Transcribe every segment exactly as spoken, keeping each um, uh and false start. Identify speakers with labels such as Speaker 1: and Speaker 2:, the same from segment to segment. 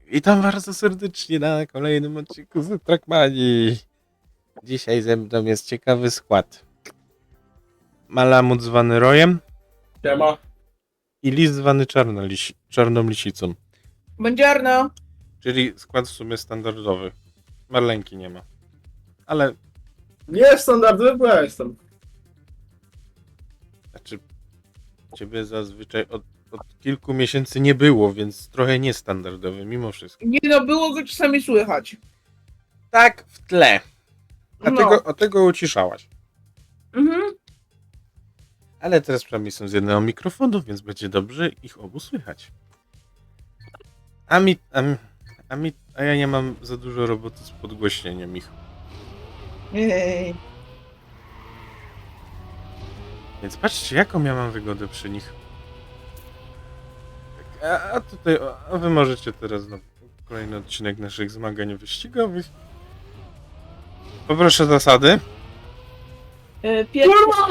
Speaker 1: Witam bardzo serdecznie na kolejnym odcinku z Trackmanii. Dzisiaj ze mną jest ciekawy skład. Malamut zwany Rojem
Speaker 2: Siema.
Speaker 1: i Lis zwany Czarnolisi- Czarną Lisicą.
Speaker 2: Buongiorno.
Speaker 1: Czyli skład w sumie standardowy. Marlenki nie ma. Ale,
Speaker 2: Nie jest standardowy, bo ja jestem.
Speaker 1: znaczy, ciebie zazwyczaj od, od kilku miesięcy nie było, więc trochę niestandardowy mimo wszystko.
Speaker 2: Nie no, było go czasami słychać.
Speaker 1: Tak, w tle. A
Speaker 2: No.
Speaker 1: tego, a tego uciszałaś.
Speaker 2: Mhm.
Speaker 1: Ale teraz przynajmniej są z jednego mikrofonu, więc będzie dobrze ich obu słychać. A mi, a, mi, a mi, a ja nie mam za dużo roboty z podgłośnieniem ich.
Speaker 2: Ej.
Speaker 1: Więc patrzcie, jaką ja mam wygodę przy nich. Tak, A, a tutaj, a wy możecie teraz na kolejny odcinek naszych zmagań wyścigowych. Poproszę zasady.
Speaker 2: E, Pierwsze...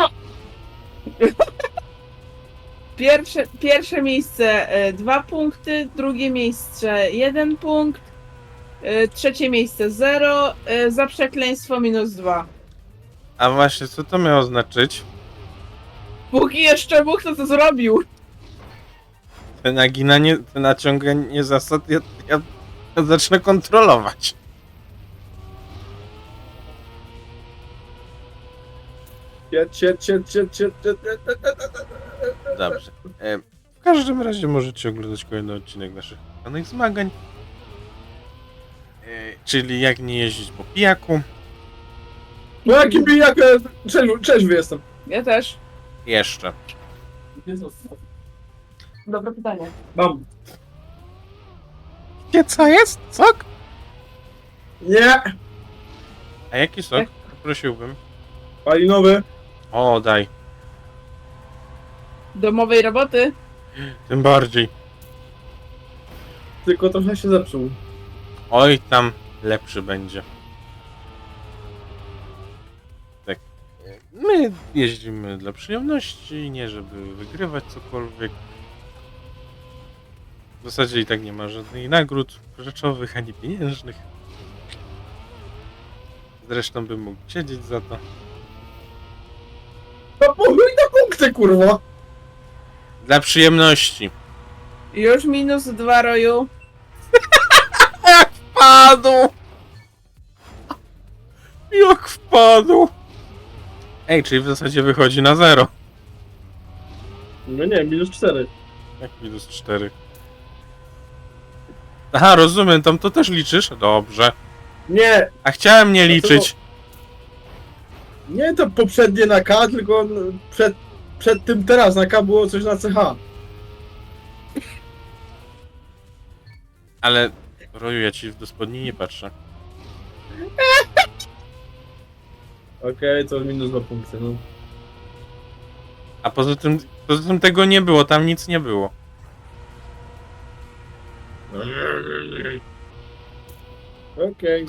Speaker 2: Pierwsze, pierwsze miejsce e, dwa punkty, drugie miejsce jeden punkt, e, trzecie miejsce zero, e, za przekleństwo minus dwa.
Speaker 1: A właśnie, co to miało znaczyć?
Speaker 2: Póki jeszcze Bóg to co zrobił.
Speaker 1: Te naginanie, te naciąganie zasad, ja, ja, ja zacznę kontrolować.
Speaker 2: Ciet, ciet, ciet, ciet, ciet, ciet,
Speaker 1: Dobrze. E, w każdym razie możecie oglądać kolejny odcinek naszych danych zmagań. E, czyli jak nie jeździć po pijaku.
Speaker 3: No jaki bijak, trzeźwy, trzeźwy jestem.
Speaker 2: Ja też.
Speaker 1: Jeszcze.
Speaker 2: Dobre pytanie.
Speaker 3: Mam.
Speaker 1: Wie co jest? Sok?
Speaker 3: Nie.
Speaker 1: A jaki sok? Prosiłbym.
Speaker 3: Palinowy.
Speaker 1: O, daj.
Speaker 2: Domowej roboty.
Speaker 1: Tym bardziej.
Speaker 3: Tylko trochę się zepsuł.
Speaker 1: Oj, tam lepszy będzie. Tak. e, My jeździmy dla przyjemności, nie żeby wygrywać cokolwiek. W zasadzie i tak nie ma żadnych nagród rzeczowych ani pieniężnych. Zresztą bym mógł siedzieć za to.
Speaker 3: No chuj na punkty, kurwa.
Speaker 1: Dla przyjemności.
Speaker 2: Już minus dwa, Roju.
Speaker 1: Jak wpadł! Jak wpadł! Ej, czyli w zasadzie wychodzi na zero.
Speaker 3: No nie, minus cztery.
Speaker 1: Jak minus cztery. Aha, rozumiem, tam to też liczysz? Dobrze.
Speaker 3: Nie.
Speaker 1: A chciałem nie liczyć.
Speaker 3: Nie to poprzednie na K, tylko przed, przed tym teraz na K było coś na C H.
Speaker 1: Ale, Roju, ja ci do spodni nie patrzę.
Speaker 3: Okej, to minus dwa punkty, no.
Speaker 1: A poza tym, poza tym tego nie było, tam nic nie było.
Speaker 3: Okej.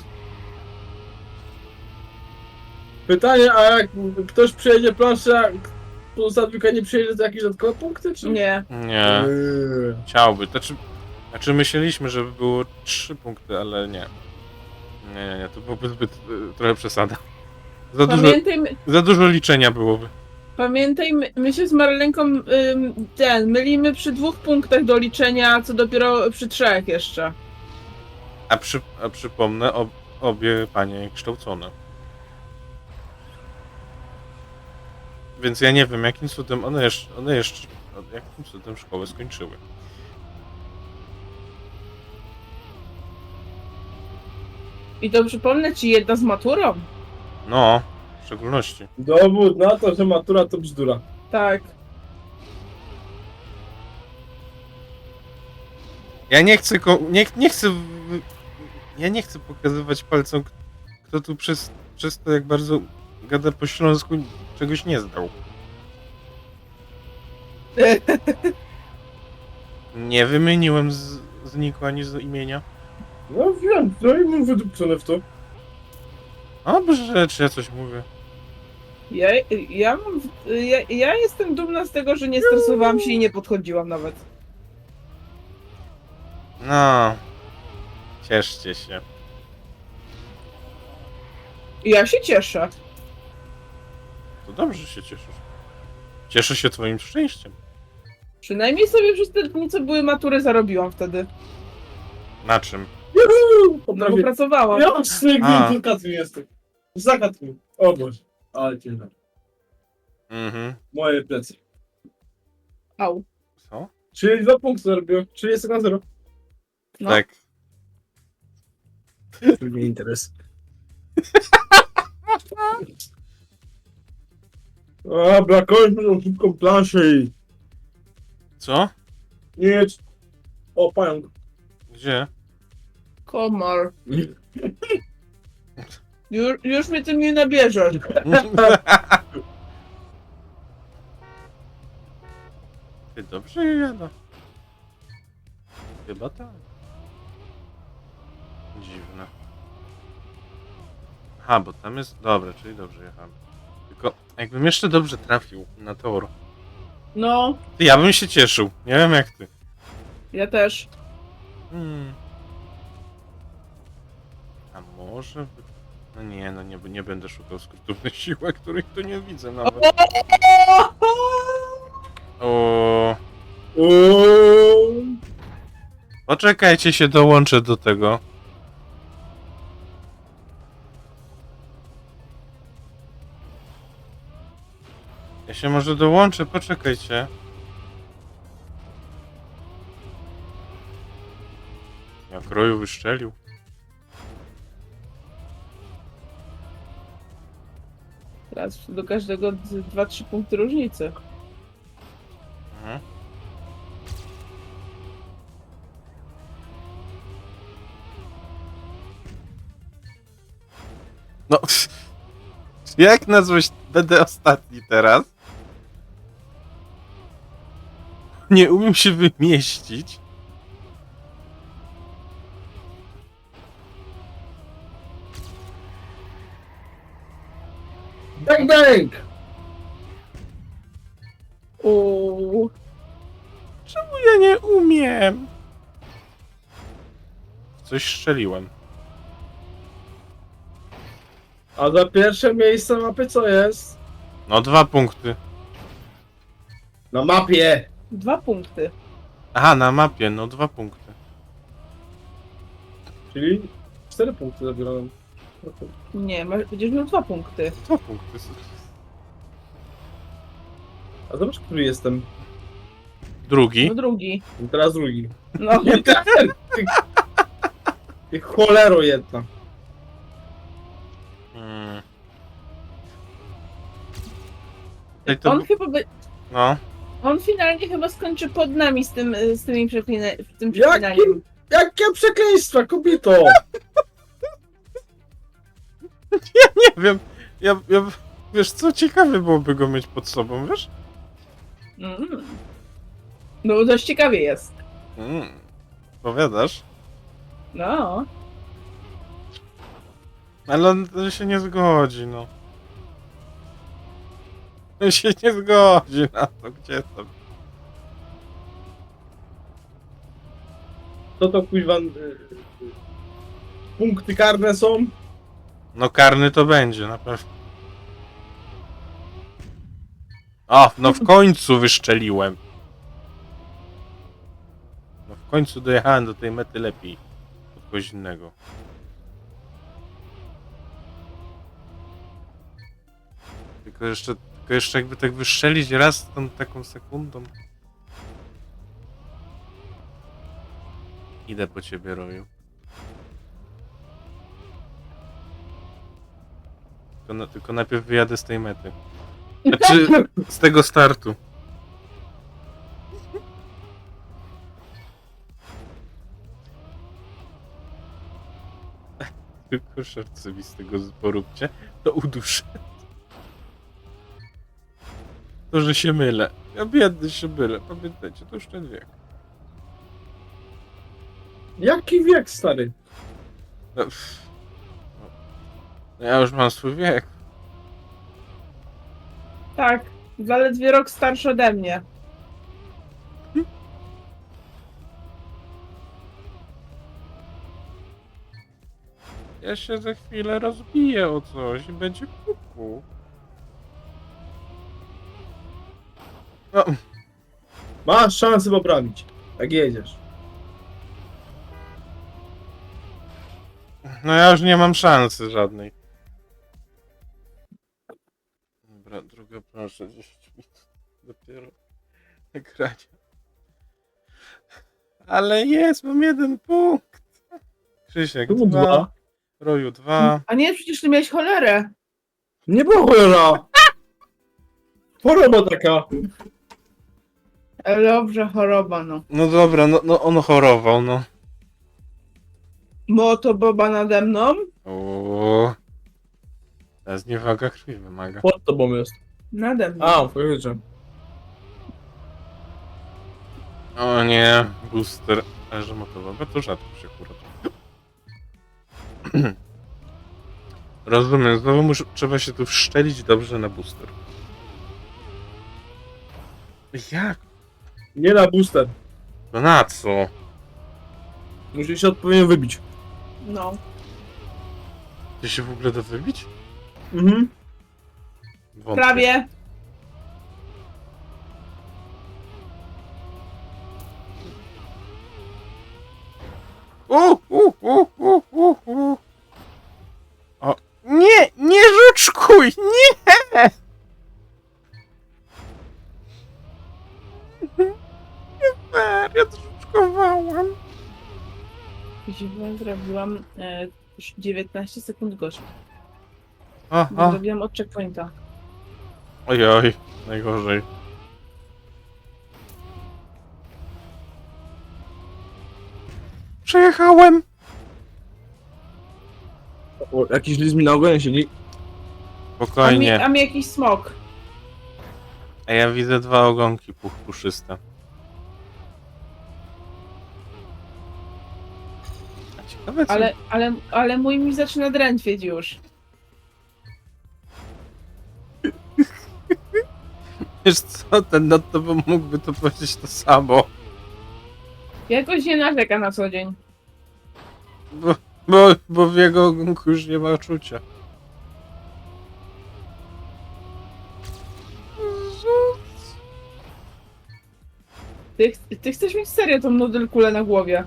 Speaker 3: Pytanie, a jak ktoś przejedzie planszę, a pozostała dwójka nie przejedzie, to jakieś dodatkowe punkty, czy
Speaker 2: Nie.
Speaker 1: Nie,
Speaker 3: Eee.
Speaker 1: chciałby. Znaczy, znaczy myśleliśmy, żeby było trzy punkty, ale nie. Nie, nie, nie, to byłoby zbyt, y, trochę przesada. Za dużo,
Speaker 2: Pamiętaj,
Speaker 1: za dużo liczenia byłoby.
Speaker 2: pamiętaj, my, my się z Marlenką ym, ten, mylimy przy dwóch punktach do liczenia, co dopiero przy trzech jeszcze.
Speaker 1: A, przy, a przypomnę, ob, obie panie kształcone. Więc ja nie wiem, jakim cudem one jeszcze, one jeszcze jakim cudem szkołę skończyły.
Speaker 2: I to przypomnę ci jedna z maturą.
Speaker 1: No, w szczególności.
Speaker 3: Dowód na to, że matura to bzdura.
Speaker 2: Tak.
Speaker 1: Ja nie chcę, ko- nie, nie chcę, w- ja nie chcę pokazywać palcem, k- kto tu przez, przez to, jak bardzo gada po śląsku, czegoś nie zdał. Nie wymieniłem z, z niku ani z imienia.
Speaker 3: No wiem, no i mam wydupcone w to.
Speaker 1: Dobrze, czy ja coś mówię?
Speaker 2: Ja, ja, mam, ja, ja jestem dumna z tego, że nie stresowałam się i nie podchodziłam nawet.
Speaker 1: No, Cieszcie się.
Speaker 2: Ja się cieszę.
Speaker 1: To dobrze, że się cieszysz. Cieszę się twoim szczęściem.
Speaker 2: Przynajmniej sobie przez te dni, co były matury, zarobiłam wtedy.
Speaker 1: Na czym?
Speaker 3: Juhu!
Speaker 2: No bo
Speaker 3: Potrafię.
Speaker 2: pracowałam.
Speaker 3: Ja z tej
Speaker 1: A.
Speaker 3: wilkacji jestem. Zagadł mi. O Boże. Ale cię znam.
Speaker 1: Mhm.
Speaker 3: Moje plecy.
Speaker 2: Au.
Speaker 1: Co?
Speaker 3: Czyli dwa punkty zarobiłem. Czyli jest na zero.
Speaker 2: No.
Speaker 1: Tak.
Speaker 3: To mnie interes. Dobra, kończmy tą szybką planszę i...
Speaker 1: Co?
Speaker 3: Nie. O, pająk.
Speaker 1: Gdzie?
Speaker 2: Komar. Już, już mnie tym nie nabierzesz.
Speaker 1: Ty dobrze je jada. Chyba tak. Dziwne. Aha, bo tam jest... Dobra, czyli dobrze jechałem. Tylko jakbym jeszcze dobrze trafił na tor,
Speaker 2: No,
Speaker 1: to ja bym się cieszył. Nie wiem jak ty.
Speaker 2: ja też.
Speaker 1: Hmm. A może... by- No nie, no nie, nie będę szukał skrótów na siłę, których tu nie widzę nawet. O,
Speaker 3: Oooo.
Speaker 1: poczekajcie, się dołączę do tego. Ja się może dołączę, poczekajcie. Jak roju wyszczelił.
Speaker 2: Teraz do każdego dwa trzy punkty różnicy.
Speaker 1: Mhm. No, jak nazwać? Będę ostatni teraz. Nie umiem się wymieścić.
Speaker 3: Bang, bang!
Speaker 2: Uuu.
Speaker 1: Czemu ja nie umiem? Coś strzeliłem.
Speaker 3: A za pierwsze miejsce mapy co jest?
Speaker 1: No, dwa punkty.
Speaker 3: Na mapie!
Speaker 2: Dwa punkty.
Speaker 1: Aha, na mapie, no dwa punkty.
Speaker 3: Czyli cztery punkty zabierałem.
Speaker 2: Nie, masz, będziesz miał dwa punkty.
Speaker 1: Dwa punkty.
Speaker 3: A zobacz, który jestem.
Speaker 1: Drugi.
Speaker 2: No drugi.
Speaker 3: I teraz drugi.
Speaker 2: No.
Speaker 3: Nie ten! Ty, ty cholero jedna.
Speaker 1: Hmm. Ej, to...
Speaker 2: On chyba by,
Speaker 1: No.
Speaker 2: on finalnie chyba skończy pod nami z tym, z tymi przeklina, tym
Speaker 3: Jakim?
Speaker 2: przeklinaniem.
Speaker 3: Jakie przekleństwa, kobieto!
Speaker 1: Nie wiem. Ja, ja... Wiesz co, ciekawe byłoby go mieć pod sobą, wiesz?
Speaker 2: Mm. No bo dość ciekawie jest.
Speaker 1: Mm. Powiadasz?
Speaker 2: No.
Speaker 1: Ale on on się nie zgodzi, no. On się nie zgodzi na to, gdzie to?
Speaker 3: To to kuźwa... y, y, punkty karne są?
Speaker 1: No karny to będzie, na pewno. O, no w końcu wyszczeliłem. No w końcu dojechałem do tej mety lepiej. Od kogoś innego. Tylko jeszcze, tylko jeszcze jakby tak wystrzelić raz tą taką sekundą. Idę po ciebie, Roju. Tylko, na, tylko najpierw wyjadę z tej mety. Znaczy, z tego startu. Tylko szarcowi z tego poróbcie, to uduszę. To, że się mylę. Ja biedny się mylę, pamiętajcie, to już ten wiek.
Speaker 3: Jaki wiek, stary?
Speaker 1: No, pff. No, ja już mam swój wiek.
Speaker 2: Tak. Zaledwie rok starszy ode mnie.
Speaker 1: Ja się za chwilę rozbiję o coś i będzie kuku. No,
Speaker 3: Masz szansę poprawić, jak jedziesz.
Speaker 1: no ja już nie mam szansy żadnej. Dobra, druga proszę, dziesięć minut dopiero nagrania. Ale jest, mam jeden punkt. Krzysiek,
Speaker 3: Tu
Speaker 1: dwa.
Speaker 3: dwa.
Speaker 1: Roju, dwa.
Speaker 2: A nie, przecież ty miałeś cholerę.
Speaker 3: Nie było cholera! Choroba taka.
Speaker 2: E, Dobrze, choroba, no.
Speaker 1: No dobra, no, no on chorował, no.
Speaker 2: Moto Boba nade mną.
Speaker 1: O. Teraz niewaga krwi wymaga.
Speaker 3: Pod tobą jest.
Speaker 2: Nade mną.
Speaker 3: A, faktycznie.
Speaker 1: O nie, booster. Ale że motowa, to rzadko się akurat. Rozumiem, znowu muszę, trzeba się tu wszczelić dobrze na booster. Jak?
Speaker 3: Nie na booster.
Speaker 1: No na co?
Speaker 3: Musisz się odpowiednio wybić.
Speaker 2: No.
Speaker 1: Ty się w ogóle da wybić?
Speaker 3: Mhm.
Speaker 1: Wątpię.
Speaker 2: Prawie.
Speaker 1: U, u, u, u, u, u. O, nie, nie żuczkuj, nie! Nie fair, ja to żuczkowałam.
Speaker 2: Źle zrobiłam e, już dziewiętnaście sekund gorzej. Bo
Speaker 1: Aha,
Speaker 2: zrobiłam od checkpointa.
Speaker 1: ojoj, najgorzej. Przejechałem!
Speaker 3: O, jakiś list mi na ogonie siedzi.
Speaker 2: A mi,
Speaker 1: Spokojnie,
Speaker 2: a mi jakiś smok.
Speaker 1: a ja widzę dwa ogonki puch puszyste. A ciekawe co...
Speaker 2: Ale, ale, ale mój mi zaczyna drętwieć już.
Speaker 1: Wiesz co, ten nad tobą mógłby to powiedzieć to samo.
Speaker 2: Jakoś nie narzeka na co dzień.
Speaker 1: Bo, bo, bo w jego ogonku już nie ma czucia.
Speaker 2: Ty, ty chcesz mieć serio tą nudelkulę na głowie.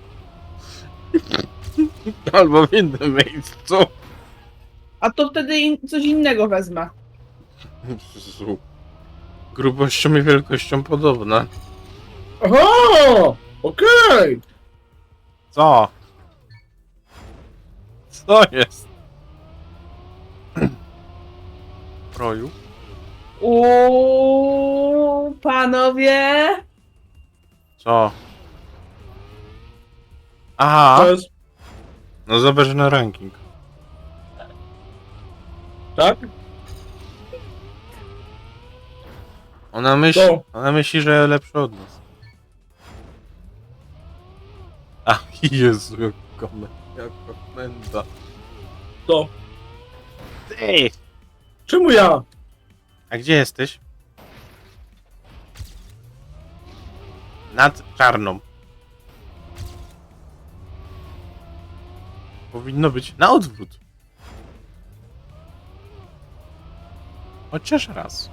Speaker 1: Albo w innym miejscu.
Speaker 2: A to wtedy in, coś innego wezmę.
Speaker 1: Jezu. Grubością i wielkością podobna.
Speaker 3: Aha! Okej!
Speaker 1: Co? Co jest? Roju?
Speaker 2: Uuu, panowie.
Speaker 1: Co? Aha,
Speaker 3: To jest...
Speaker 1: no zobacz na ranking.
Speaker 3: Tak?
Speaker 1: Ona myśli,
Speaker 3: Co?
Speaker 1: ona myśli, że lepszy od nas. Ach, Jezu, jak komenda, jak komenda.
Speaker 3: To.
Speaker 1: Ty!
Speaker 3: Czemu ja?
Speaker 1: A gdzie jesteś? Nad czarną. Powinno być na odwrót. Chociaż raz.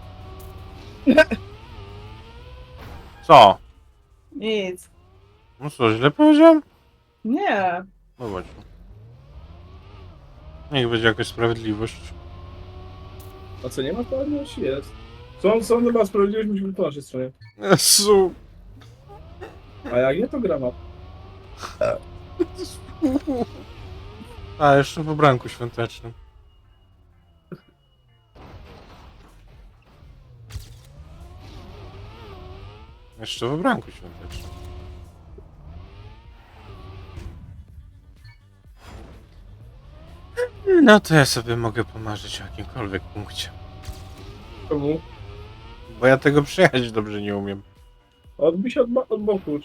Speaker 1: Co?
Speaker 2: Nic.
Speaker 1: No co, źle powiedziałem?
Speaker 2: Nie.
Speaker 1: No właśnie. Niech będzie jakaś sprawiedliwość.
Speaker 3: A co, nie ma sprawiedliwości? Jest. Są, są chyba sprawiedliwość musi być po naszej stronie.
Speaker 1: Jezu.
Speaker 3: A jak nie, to grama.
Speaker 1: A, jeszcze w ubranku świątecznym. Jeszcze w ubranku świątecznym. No to ja sobie mogę pomarzyć o jakimkolwiek punkcie.
Speaker 3: Czemu?
Speaker 1: Bo ja tego przejechać dobrze nie umiem.
Speaker 3: Odbij się od, bo- od boku.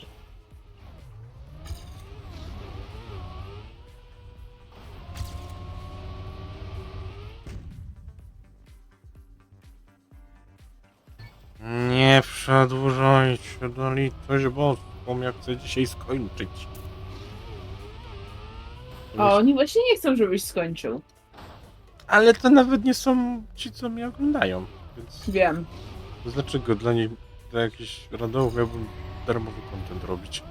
Speaker 1: Nie przedłużajcie do litość boską, ja chcę dzisiaj skończyć.
Speaker 2: A oni właśnie nie chcą, żebyś skończył.
Speaker 1: Ale to nawet nie są ci, co mnie oglądają. Więc
Speaker 2: Wiem.
Speaker 1: to dlaczego dla nich, dla jakichś randomów miałbym darmowy content robić?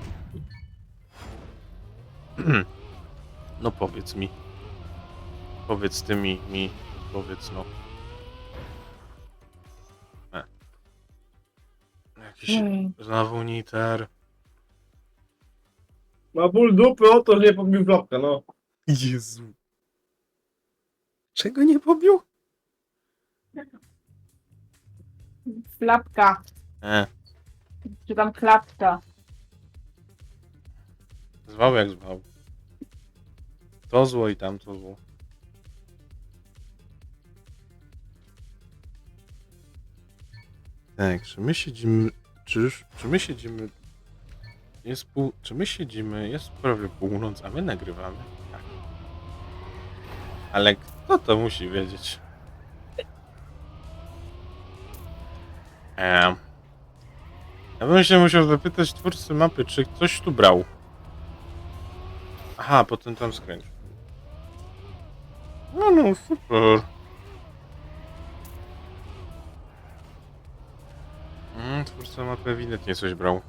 Speaker 1: No powiedz mi. Powiedz ty mi, mi, powiedz no. E. Jakiś
Speaker 2: Mm.
Speaker 1: znowu niter.
Speaker 3: Ma ból dupy o to, że nie pobił klapka, no.
Speaker 1: Jezu. Czego nie pobił?
Speaker 2: Klapka.
Speaker 1: E,
Speaker 2: Czy tam klapka.
Speaker 1: zwał jak zwał. To zło i tamto zło. Tak, czy my siedzimy... Czy, czy my siedzimy... Jest pół... Czy my siedzimy... Jest prawie północ, a my nagrywamy? Tak. Ale kto to musi wiedzieć? Eee. Ja bym się musiał zapytać twórcy mapy, czy ktoś tu brał. Aha, potem tam skręć. No, no, super. Mm, twórca mapy ewidentnie coś brał.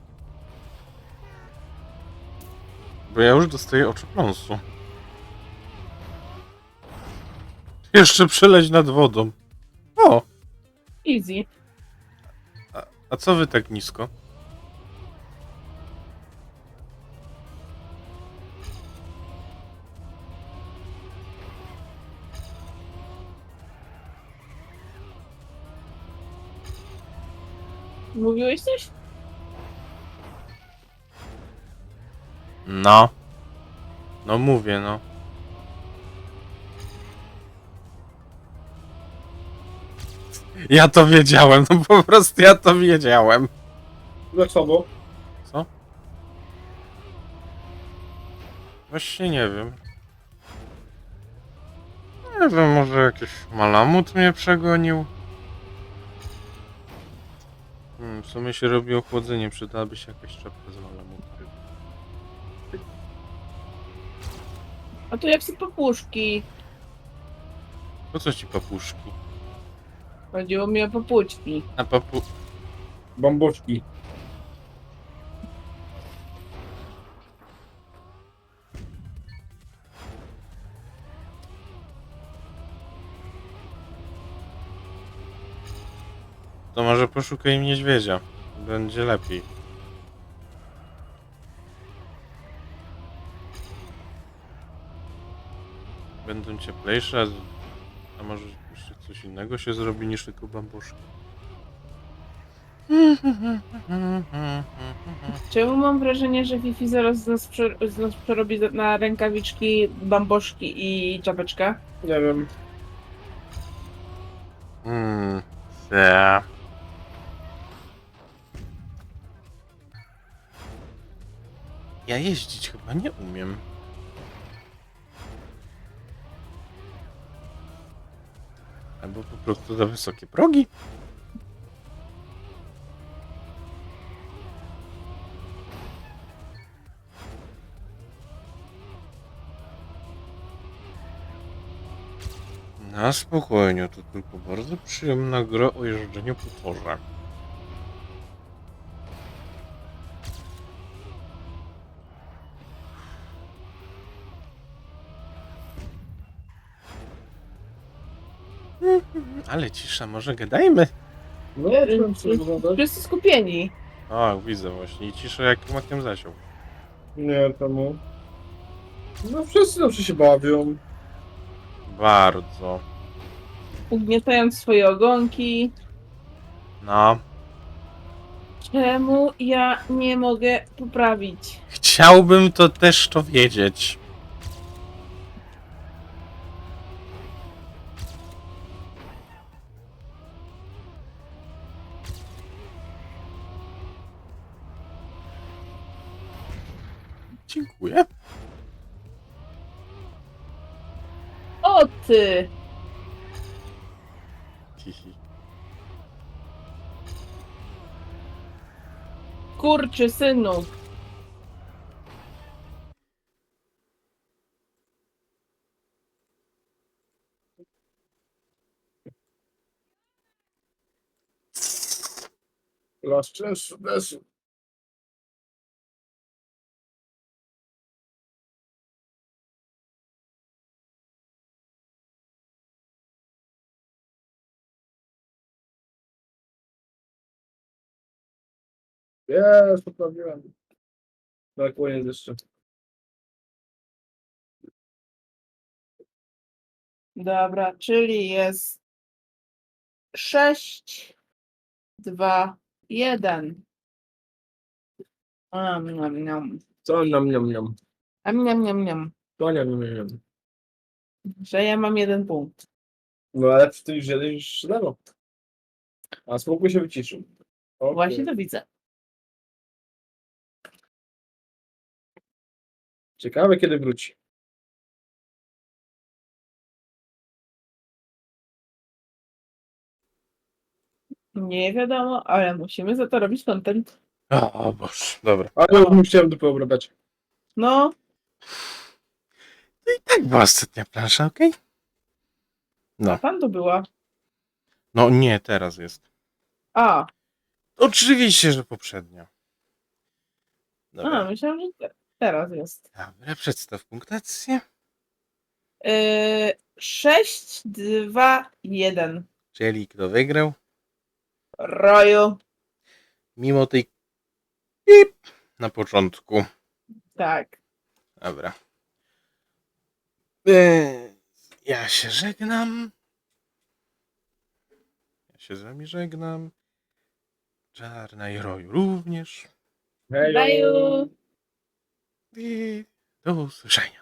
Speaker 1: Bo ja już dostaję oczopląsu. Jeszcze przeleć nad wodą. O!
Speaker 2: Easy.
Speaker 1: A, a co wy tak nisko?
Speaker 2: Mówiłeś coś?
Speaker 1: No. No mówię, no. Ja to wiedziałem, no po prostu ja to wiedziałem.
Speaker 3: Jak samo?
Speaker 1: Co? Właśnie nie wiem. Nie wiem, może jakiś malamut mnie przegonił? Hmm, w sumie się robi ochłodzenie, przydałaby się jakaś czapka z malamuta.
Speaker 2: A tu jak są papuszki.
Speaker 1: Po co ci papuszki?
Speaker 2: Chodziło mi o papuczki.
Speaker 1: A papu...
Speaker 3: Bamboczki.
Speaker 1: To może poszukaj niedźwiedzia. Będzie lepiej. Będą cieplejsze, a- a może jeszcze coś innego się zrobi niż tylko bambuszki.
Speaker 2: Czemu mam wrażenie, że Fifi zaraz z nas, prze, z nas przerobi na rękawiczki, bamboszki i czapeczkę?
Speaker 3: Nie wiem.
Speaker 1: Hmm, yeah. Ja jeździć chyba nie umiem. Albo po prostu za wysokie progi. Na spokojnie, to tylko bardzo przyjemna gra o jeżdżeniu po torze. Ale cisza, może gadajmy?
Speaker 3: No ja nie wiem, co wyglądać.
Speaker 2: Wszyscy skupieni.
Speaker 1: O, widzę właśnie. I cisza jak makiem zasiął.
Speaker 3: Nie, temu. No wszyscy dobrze się bawią.
Speaker 1: Bardzo.
Speaker 2: Ugniatając swoje ogonki.
Speaker 1: No.
Speaker 2: Czemu ja nie mogę poprawić?
Speaker 1: Chciałbym to też to wiedzieć. Dziękuję.
Speaker 2: O ty!
Speaker 1: Hihi.
Speaker 2: Kurczy synu.
Speaker 3: Las stresu, desu. Jest, poprawiłem. Brakuje jeszcze.
Speaker 2: Dobra, czyli jest sześć, dwa, jeden. Am, niam, niam.
Speaker 3: Co nam, niam, niam.
Speaker 2: Am, niam, niam, niam.
Speaker 3: To niam, niam, niam.
Speaker 2: Że ja mam jeden punkt.
Speaker 3: No ale ty już jedziesz lewo. A spokój się wyciszył. Okay.
Speaker 2: Właśnie to widzę.
Speaker 3: Ciekawe kiedy wróci.
Speaker 2: Nie wiadomo, ale musimy za to robić content.
Speaker 1: O Boże, dobra.
Speaker 3: Ale już mu chciałem dupę obrabać.
Speaker 2: No,
Speaker 1: No i tak była ostatnia plansza, okej? No.
Speaker 2: tam to była.
Speaker 1: No nie, teraz jest.
Speaker 2: A,
Speaker 1: Oczywiście, że poprzednio.
Speaker 2: a
Speaker 1: Dobra.
Speaker 2: myślałam, że te- teraz jest.
Speaker 1: Dobra, przedstaw punktację.
Speaker 2: Yy, sześć, dwa, jeden.
Speaker 1: Czyli kto wygrał?
Speaker 2: Roju.
Speaker 1: Mimo tej pip na początku.
Speaker 2: Tak.
Speaker 1: Dobra. Eee, ja się żegnam. Ja się z wami żegnam. Czarna i Roju również.
Speaker 3: Hejo.
Speaker 2: Daju.
Speaker 1: I do usłyszenia.